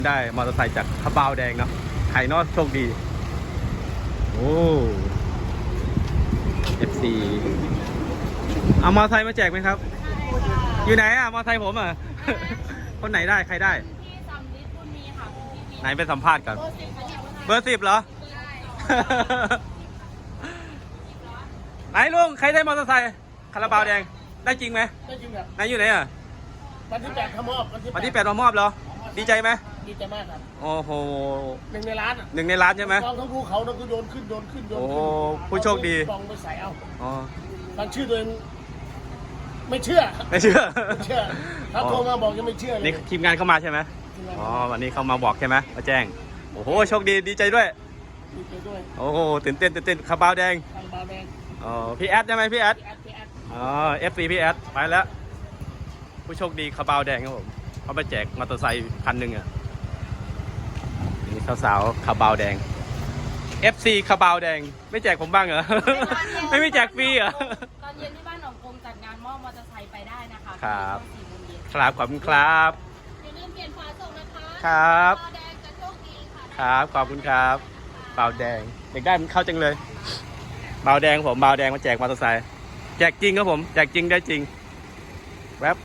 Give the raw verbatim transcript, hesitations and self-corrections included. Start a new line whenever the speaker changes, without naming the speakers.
ได้มอเตอร์ไซค์จากคาบาวแดงเนาะไข่นอดโชคดีโอ้ เอฟ ซี เอามอเตอร์ไซค์มาแจกไหมครับอยู่ไหนอะมอเตอร์ไซค์ผมอะ คนไหนได้ใครได้
ที่ซัมนิดคุณมีค่ะคุณพี่มี
ไหนไปสัมภาษณ์ก่อนเบอร์สิบเหรอ ไหนลุงใครได้มอเตอร์ไซค์คาราบาวแดงได้จริงไหม
ได้จริงครับ
ไหนอยู่ไหนอะ
วันที่แปดขมอบ
วันที่แปดมามอบเหรอดีใจไหม
ดีใจมากครับ
โอ้โห
หนึ่งในร้านอ่ะ
หนึ่งในร้านใช่ไหม
กองทั้งภูเขาทั้งคือโยนขึ้นโยนขึ้นโยน
โอ้
ขึ้น
ผู้โชคดี
กองไปใส่เอา
อ๋อ
ฟังชื่อตัวเองไม่เชื่อ
ไม่เชื่อ
ไม่เชื่อเขาโทรมาบอกยังไม่เชื่อเลย
นี่ทีมงานเข้ามาใช่ไหมอ๋อวันนี้เขามาบอกใช่ไหมมาแจ้งโอ้โหโชคดีดีใจด้วย
ดีใจด้วย
โอ้โหตื่นเต้นตื่นเต้นคาบาวแดง
คาบาวแดง
อ๋อพี่แอดใช่ไหมพี่แอด
พี่แอดพี่แอด
อ๋อเอฟซีพี่แอดไปแล้วผู้โชคดีคาบาวแดงครับผมเขาไปแจกมอเตอร์ไซค์คันหนึ่งอ่ะนี่สาวๆคาบาวแดง เอฟ ซี คาบาวแดงไม่แจกผมบ้างเหรอ ไม่ไม่แจกฟรีเหรอ
ตอนเย็นที่บ้านหนองกงจัดงานมอบมอเตอร์ไซค์ไปได้นะคะ
ครับครับขอบคุณครับ
อย่าลืมเปลี่ยนฝาส่งนะคะ
ครับ
แดงจะโชคดีค่ะ
ครับขอบคุณครับบาวแดงเด็กได้มันเข้าจังเลยบาวแดงผมบาวแดงมาแจกมอเตอร์ไซค์แจกจริงครับผมแจกจริงได้จริง